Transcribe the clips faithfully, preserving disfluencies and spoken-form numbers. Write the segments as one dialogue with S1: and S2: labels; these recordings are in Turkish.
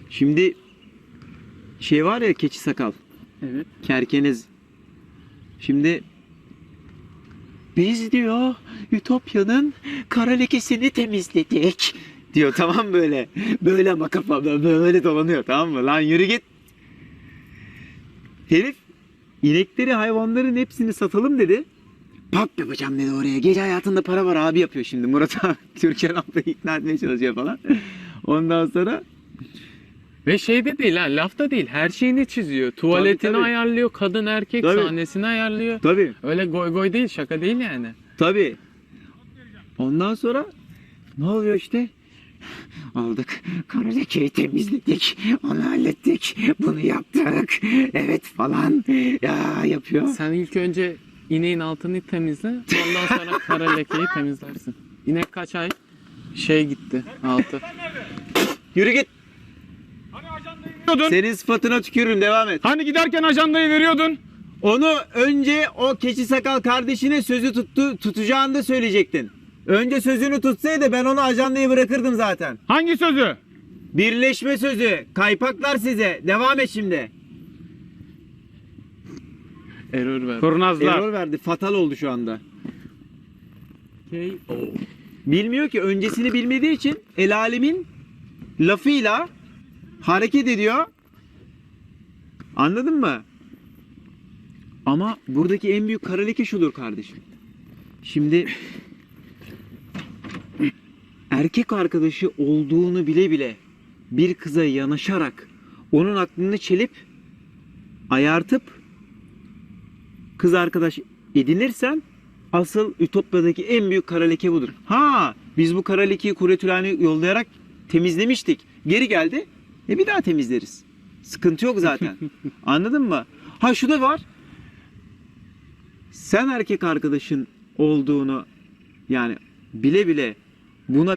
S1: Şimdi şey var ya, keçi sakal.
S2: Evet.
S1: Kerkeniz. Şimdi biz diyor Ütopya'nın kara lekesini temizledik diyor, tamam böyle. Böyle ama kafamda böyle dolanıyor, tamam mı? Lan yürü git. Herif inekleri, hayvanların hepsini satalım dedi. Pap yapacağım dedi oraya. Gece hayatında para var abi yapıyor şimdi. Murat abi Türkan ablayı ikna etmeye çalışıyor falan. Ondan sonra
S2: Ve şey de değil ha, lafta değil. Her şeyini çiziyor. Tuvaletini
S1: Tabii, tabii.
S2: ayarlıyor, kadın erkek
S1: Tabii.
S2: sahnesini ayarlıyor.
S1: tabii
S2: Öyle goy goy değil, şaka değil yani.
S1: tabii. Ondan sonra ne oluyor işte? Aldık. Kara lekeyi temizledik. Onu hallettik. Bunu yaptık. Evet falan. Ya yapıyor.
S2: Sen ilk önce ineğin altını temizle, ondan sonra kara lekeyi temizlersin. İnek kaç ay? Şey gitti, altı.
S1: Yürü git.
S3: Veriyordun.
S1: Senin sıfatına tükürürüm, devam et.
S3: Hani giderken ajandayı veriyordun.
S1: Onu önce o keçi sakal kardeşine sözü tuttu, tutacağını da söyleyecektin. Önce sözünü tutsaydı ben onu ajandayı bırakırdım zaten.
S3: Hangi sözü?
S1: Birleşme sözü. Kaypaklar size. Devam et şimdi.
S2: Error ver.
S3: Kurnazlar.
S1: Error verdi. Fatal oldu şu anda.
S2: K O
S1: Bilmiyor ki. Öncesini bilmediği için el alemin lafıyla hareket ediyor. Anladın mı? Ama buradaki en büyük kara leke şudur kardeşim. Şimdi erkek arkadaşı olduğunu bile bile bir kıza yanaşarak onun aklını çelip ayartıp kız arkadaş edinirsen asıl Ütopya'daki en büyük kara leke budur. Ha, biz bu kara lekeyi Kuretülen'e yollayarak temizlemiştik. Geri geldi. E bir daha temizleriz. Sıkıntı yok zaten. Anladın mı? Ha şu da var. Sen erkek arkadaşın olduğunu yani bile bile buna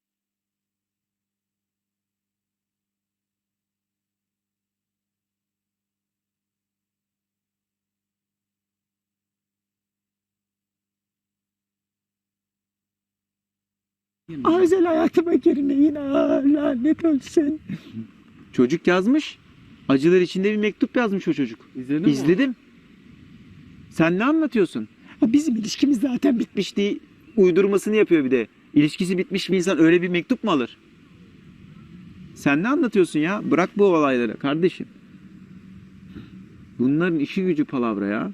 S1: özel hayatıma girmeyin, aa, lanet olsun. Çocuk yazmış. Acılar içinde bir mektup yazmış o çocuk.
S2: İzledin mi?
S1: İzledim. Sen ne anlatıyorsun? Ha, bizim ilişkimiz zaten bitmişti. Uydurmasını yapıyor bir de. İlişkisi bitmiş bir insan öyle bir mektup mu alır? Sen ne anlatıyorsun ya? Bırak bu olayları kardeşim. Bunların işi gücü palavra ya.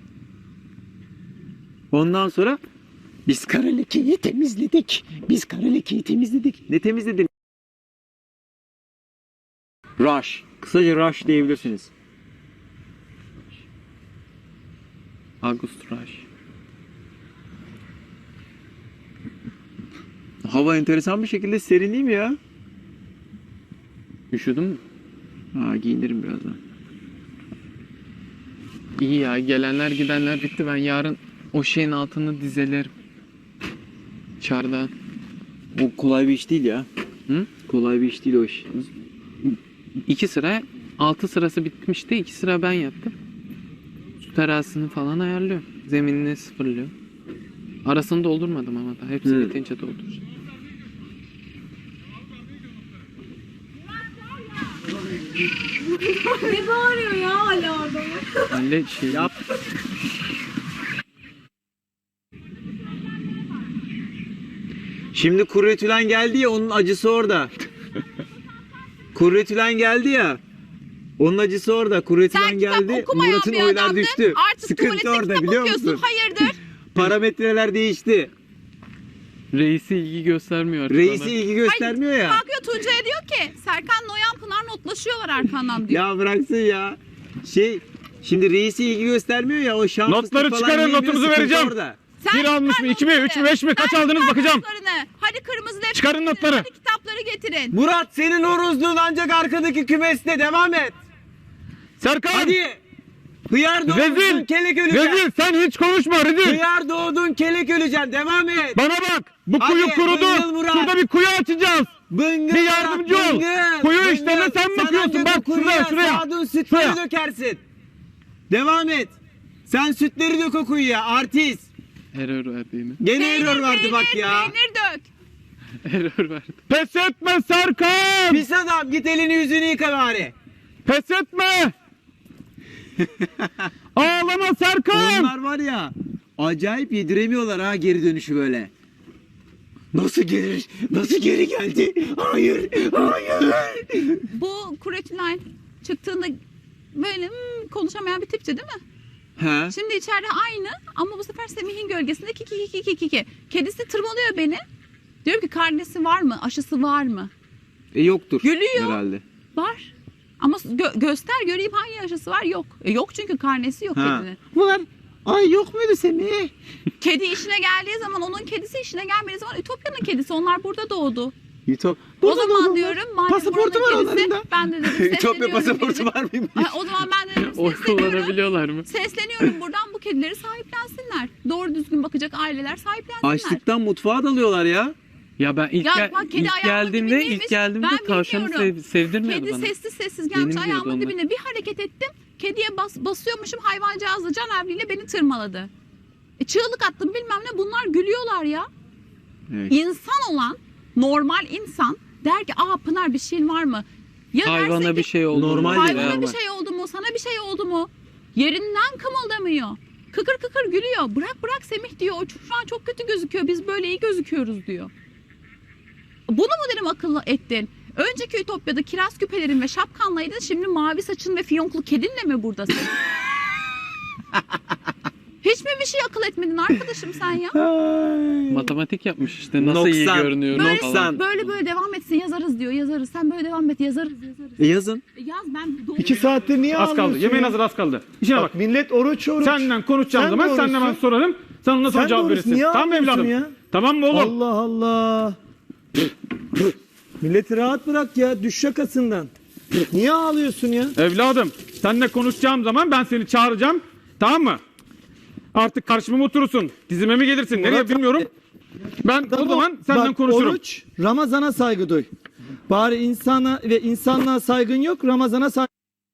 S1: Ondan sonra biz kara lekeyi temizledik. Biz kara lekeyi temizledik. Ne temizledin? Rush. Kısaca Rush diyebilirsiniz.
S2: August Rush.
S1: Hava enteresan bir şekilde serin değil mi ya?
S2: Üşüdün mü?
S1: Ha, giyinirim birazdan.
S2: İyi ya, gelenler gidenler bitti. Ben yarın o şeyin altını dizelerim. Çardağın.
S1: O kolay bir iş değil ya.
S2: Hı?
S1: Kolay bir iş değil o iş.
S2: İki sıra, altı sırası bitmişti. İki sıra ben yaptım. Su terasını falan ayarlıyor. Zeminini sıfırlıyor. Arasını doldurmadım ama da. Hepsi
S1: Hı.
S2: bitince dolduracağım.
S4: Ne bağırıyor ya hala orada?
S2: Halle şey.
S1: Yap. Şimdi Kurretülen geldi ya, onun acısı orada. Kurretülen geldi ya. Onun acısı orada. Kurretülen
S4: Sen kitap
S1: geldi.
S4: okumayan
S1: Murat'ın
S4: bir
S1: oylar
S4: adamdın.
S1: düştü.
S4: Artık
S1: Sıkıntı
S4: tuvalette
S1: orada,
S4: kitap
S1: biliyor
S4: okuyorsun.
S1: musun?
S4: Hayırdır?
S1: Parametreler değişti.
S2: Reisi ilgi göstermiyor artık
S1: Reisi
S2: ona.
S1: ilgi göstermiyor ya.
S4: Kalkıyor Tuncay'a diyor ki Serkan Noyan Pınar notlaşıyorlar arkandan diyor.
S1: Ya bıraksın ya. Şey, şimdi reisi ilgi göstermiyor ya, o şans
S3: Notları çıkarın, notumuzu vereceğim.
S1: Orada.
S4: Sen
S3: Bir almış
S4: çıkar
S3: mı, iki mi,
S4: notları.
S3: üç mü, beş mi? Kaç
S4: Sen
S3: aldınız
S4: çıkar
S3: bakacağım.
S4: notlarını. Hadi kırmızı defter
S3: Çıkarın
S4: getirin,
S3: notları.
S4: Hadi kitapları getirin.
S1: Murat, senin horozluğun ancak arkadaki kümeste, devam et.
S3: Serkan!
S1: Hadi. Hıyar doğdun,
S3: Rezil!
S1: kelek öleceksin.
S3: Rezil! Sen hiç konuşma rezil!
S1: Hıyar doğdun, kelek öleceksin, devam et.
S3: Bana bak! Bu
S1: Hadi,
S3: kuyu kurudu!
S1: Bıngıl Murat.
S3: Şurada bir kuyu açacağız!
S1: Bıngıl
S3: Bir
S1: Murat,
S3: yardımcı ol.
S1: bıngıl,
S3: Kuyu
S1: bıngıl.
S3: işlerine sen bakıyorsun.
S1: ancak
S3: Bak,
S1: o kuyuya
S3: şuraya, şuraya.
S1: sağdığın sütleri
S3: Şuraya.
S1: dökersin. Devam et. Sen sütleri dök o kuyuya, artist.
S2: Error verdi yine.
S1: Gene
S4: Peynir,
S1: error verdi
S4: peynir,
S1: bak ya.
S4: Peynir dök.
S2: Error verdi.
S3: Pes etme Serkan!
S1: Pis adam. Tamam git elini yüzünü yıka bari.
S3: Pes etme. Ağlama Serkan.
S1: Onlar var ya acayip yediremiyorlar ha geri dönüşü böyle. Nasıl geri, nasıl geri geldi? Hayır, hayır.
S4: Bu Kuretülen çıktığında böyle hmm, konuşamayan bir tipti değil mi?
S1: He.
S4: Şimdi içeride aynı ama bu sefer Semih'in gölgesinde kiki kiki kiki kiki. Kedisi tırmalıyor beni. Diyorum ki karnesi var mı? Aşısı var mı?
S1: E yoktur.
S4: Gülüyor.
S1: Herhalde.
S4: Var. Ama gö- göster göreyim hangi aşısı var? Yok. E yok çünkü karnesi yok
S1: Ha.
S4: kedinin.
S1: Bunlar ay yok muydu Semih?
S4: Kedi işine geldiği zaman onun kedisi işine gelmediği zaman Ütopya'nın kedisi. Onlar burada doğdu.
S1: Ütop.
S4: O zaman diyorum madem
S1: Pasaportu
S4: buranın
S1: var
S4: kedisi,
S1: onların da.
S4: ben de dedim
S1: Ütopya
S4: sesleniyorum.
S1: pasaportu
S4: dedim.
S1: var mıymış?
S4: Ha, o zaman ben de dedim
S2: Oy
S4: sesleniyorum.
S2: kullanabiliyorlar mı?
S4: Sesleniyorum buradan bu kedileri sahiplensinler. Doğru düzgün bakacak aileler sahiplensinler.
S1: Açlıktan mutfağa dalıyorlar ya.
S2: Ya ben ilk,
S4: Ya
S2: gel-
S4: bak, kedi
S2: ilk
S4: ayağımın
S2: geldiğimde
S4: dibindeymiş.
S2: ilk geldiğimde
S4: Ben
S2: tavşanı
S4: bilmiyorum.
S2: sev, sevdirmiyordu
S4: Kedi
S2: bana.
S4: sessiz sessiz gelmiş
S2: Benim diyordu
S4: ayağımın
S2: onlar.
S4: dibine bir hareket ettim. Kediye bas, basıyormuşum hayvancağız da canavliyle beni tırmaladı. E, çığlık attım bilmem ne bunlar gülüyorlar ya.
S1: Evet.
S4: İnsan olan normal insan der ki aa Pınar bir şeyin var mı? Ya
S2: Hayvana
S4: derse
S2: bir
S4: ki,
S2: şey oldu. mu?
S1: Normal
S4: hayvana
S1: değil
S4: bir
S1: ama.
S4: şey oldu mu? Sana bir şey oldu mu? Yerinden kımıldamıyor. Kıkır kıkır gülüyor. Bırak bırak Semih diyor. O şu an çok kötü gözüküyor. Biz böyle iyi gözüküyoruz diyor. Bunu mu dedim akıllı ettin? Önceki Ütopya'da kiraz küpelerin ve şapkanlaydın. Şimdi mavi saçın ve fiyonklu kedinle mi buradasın? Hiç mi bir şey akıl etmedin arkadaşım sen ya?
S2: Matematik yapmış işte nasıl iyi
S1: Noksan.
S2: görünüyorum
S4: Böyle,
S2: falan.
S4: böyle böyle devam etsin yazarız diyor. Yazarız. Sen böyle devam et yazarız yazarız.
S1: E yazın.
S4: E yaz ben doğru.
S3: İki saattir niye
S5: Az kaldı.
S3: ağlıyorsun
S5: Yemeğin
S3: ya?
S5: hazır az kaldı. İşine bak.
S3: Bak millet oruç oruç.
S5: Senden konuşacağım
S3: Sen
S5: zaman
S3: de
S5: senden ben
S3: oruçsun.
S5: sorarım. Sen ondan sonra
S3: Sen
S5: cevap
S3: de
S5: verirsin.
S3: oruçsun. Niye
S5: Tamam mı
S3: ağlıyorsun
S5: evladım?
S3: ya?
S5: Tamam mı oğlum?
S3: Allah Allah. Milleti rahat bırak ya. Düş şakasından. Niye ağlıyorsun ya?
S5: Evladım seninle konuşacağım zaman ben seni çağıracağım. Tamam mı? Artık karşıma mı oturursun? Dizime mi gelirsin? Nereye
S3: Murat-
S5: bilmiyorum. Ben o zaman senden
S3: Bak,
S5: konuşurum.
S3: Oruç, Ramazan'a saygı duy. Bari insana ve insanlığa saygın yok, Ramazan'a saygı.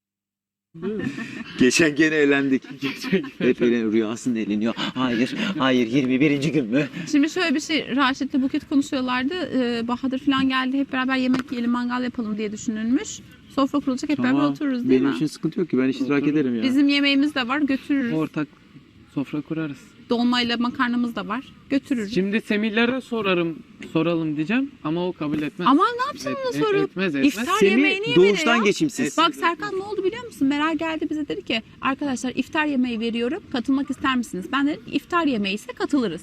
S1: Geçen gene eğlendik. Hep eğlen, rüyasında eğleniyor. Hayır, hayır yirmi birinci gün mü?
S4: Şimdi şöyle bir şey Raşit'le Buket konuşuyorlardı. Ee, Bahadır falan geldi. Hep beraber yemek yiyelim, mangal yapalım diye düşünülmüş. Sofra kurulacak hep beraber otururuz değil
S1: Benim
S4: mi?
S1: için sıkıntı yok ki ben iştirak ederim ya.
S4: Bizim yemeğimiz de var götürürüz.
S2: Ortak sofra kurarız.
S4: Dolmayla makarnamız da var götürürüz.
S2: Şimdi Semih'lere sorarım, soralım diyeceğim ama o kabul etmez.
S4: Aman ne yapacaksın
S2: Et-
S4: onu
S2: et-
S4: sorup?
S2: etmez, etmez.
S4: İftar
S1: Semih
S4: yemeğini yemedi
S1: doğuştan
S4: ya.
S1: geçimsiz.
S4: Bak Serkan ne oldu biliyor musun? Meral geldi bize dedi ki arkadaşlar iftar yemeği veriyorum. Katılmak ister misiniz? Ben dedim iftar yemeği ise katılırız.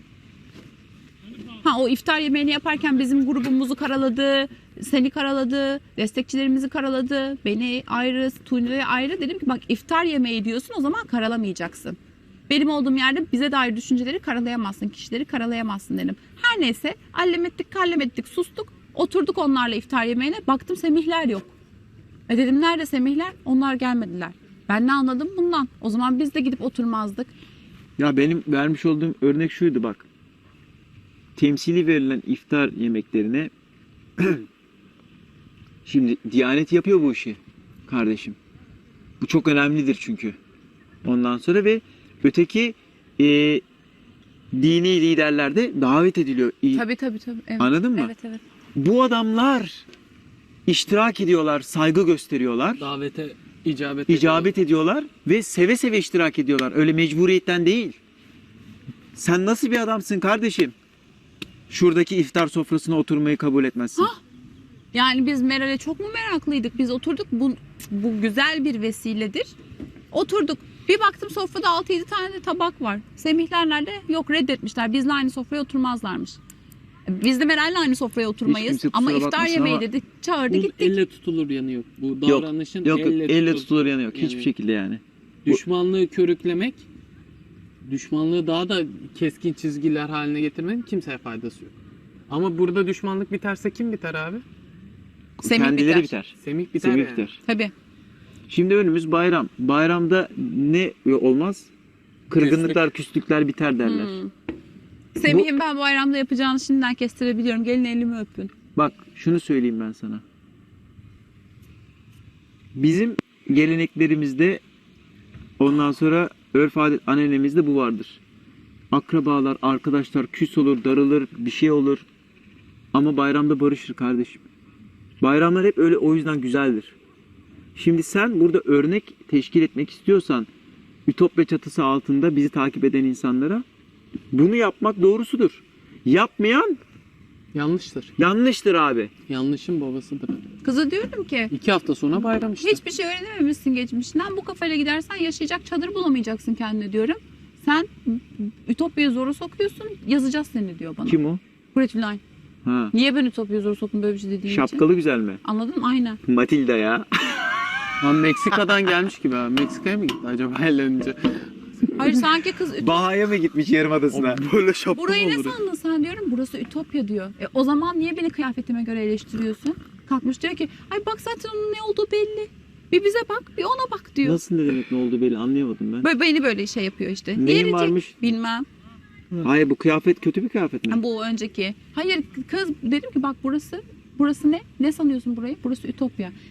S4: Ha o iftar yemeğini yaparken bizim grubumuzu karaladı, seni karaladı, destekçilerimizi karaladı, beni ayrı, Tuğni'yi ayrı. Dedim ki bak iftar yemeği diyorsun o zaman karalamayacaksın. Benim olduğum yerde bize dair düşünceleri karalayamazsın, kişileri karalayamazsın dedim. Her neyse allem ettik, kallem ettik, sustuk. Oturduk onlarla iftar yemeğine. Baktım Semihler yok. E dedim nerede Semihler? Onlar gelmediler. Ben ne anladım bundan? O zaman biz de gidip oturmazdık.
S1: Ya benim vermiş olduğum örnek şuydu bak. Temsili verilen iftar yemeklerine şimdi Diyanet yapıyor bu işi kardeşim. Bu çok önemlidir çünkü. Ondan sonra ve öteki e, dini liderler de davet ediliyor. İ-
S4: Tabii tabii tabii. Evet.
S1: Anladın mı?
S4: Evet evet.
S1: Bu adamlar iştirak ediyorlar, saygı gösteriyorlar,
S2: Davete icabet
S1: icabet ediyorlar ve seve seve iştirak ediyorlar. Öyle mecburiyetten değil. Sen nasıl bir adamsın kardeşim? Şuradaki iftar sofrasına oturmayı kabul etmezsin.
S4: Ha? Yani biz Meral'e çok mu meraklıydık? Biz oturduk. Bu, bu güzel bir vesiledir. Oturduk. Bir baktım sofrada altı yedi tane de tabak var. Semihler nerede? Yok reddetmişler. Bizle aynı sofraya oturmazlarmış. Biz de Meral'le aynı sofraya oturmayız.
S1: kimse kusura
S4: Ama iftar
S1: bakmasın
S4: yemeği
S1: ama-
S4: dedi. Çağırdı
S2: Bu
S4: gittik.
S2: elle tutulur yanı yok. Bu
S1: Yok,
S2: davranışın
S1: Yok
S2: elle,
S1: elle,
S2: tutulur.
S1: tutulur yanı yok.
S2: Yani
S1: Hiçbir şekilde yani.
S2: Düşmanlığı körüklemek, düşmanlığı daha da keskin çizgiler haline getirmenin kimseye faydası yok. Ama burada düşmanlık biterse kim biter abi?
S4: Semih
S1: Kendileri
S4: biter.
S1: biter.
S2: Semih biter
S1: Semih
S2: yani.
S1: biter.
S4: Tabii.
S1: Şimdi önümüz bayram. Bayramda ne olmaz? Kırgınlıklar, küslükler biter derler.
S4: Hmm. Semih'in ben bayramda yapacağını şimdiden kestirebiliyorum. Gelin elimi öpün.
S1: Bak şunu söyleyeyim ben sana. Bizim geleneklerimizde ondan sonra örf adet ananemizde bu vardır. Akrabalar, arkadaşlar küs olur, darılır, bir şey olur. Ama bayramda barışır kardeşim. Bayramlar hep öyle, o yüzden güzeldir. Şimdi sen burada örnek teşkil etmek istiyorsan Ütopya çatısı altında bizi takip eden insanlara bunu yapmak doğrusudur. Yapmayan
S2: Yanlıştır.
S1: yanlıştır abi.
S2: Yanlışın babasıdır.
S4: Kıza diyorum ki
S2: İki hafta sonra bayram işte.
S4: hiçbir şey öğrenememişsin geçmişinden. Bu kafayla gidersen yaşayacak çadır bulamayacaksın kendine diyorum. Sen Ütopya'yı zora sokuyorsun, yazacağız seni diyor bana.
S1: Kim o?
S4: Kuretülen.
S1: Ha.
S4: Niye ben Ütopya'yı zora soktum böyle bir şey dediğin için?
S1: Şapkalı güzel mi?
S4: Anladın mı? Aynen.
S1: Matilda ya.
S2: Ha, Meksika'dan gelmiş gibi ha. Meksika'ya mı gitti acaba evlenince?
S4: Hayır sanki kız Ütopya.
S1: Baha'ya mı gitmiş Yarımadası'na?
S2: Böyle şapka
S4: Burayı ne sandın sen diyorum. Burası Ütopya diyor. E, o zaman niye beni kıyafetime göre eleştiriyorsun? Kalkmış diyor ki ay bak zaten onun ne olduğu belli. Bir bize bak bir ona bak diyor.
S1: Nasıl, ne demek ne oldu belli, anlayamadım ben.
S4: Böyle beni böyle şey yapıyor işte.
S1: Neyin
S4: Diğeri
S1: varmış?
S4: bilmem.
S1: Hayır, bu kıyafet kötü bir kıyafet mi?
S4: Ha, bu önceki. Hayır kız dedim ki bak burası burası ne? Ne sanıyorsun burayı? Burası Ütopya.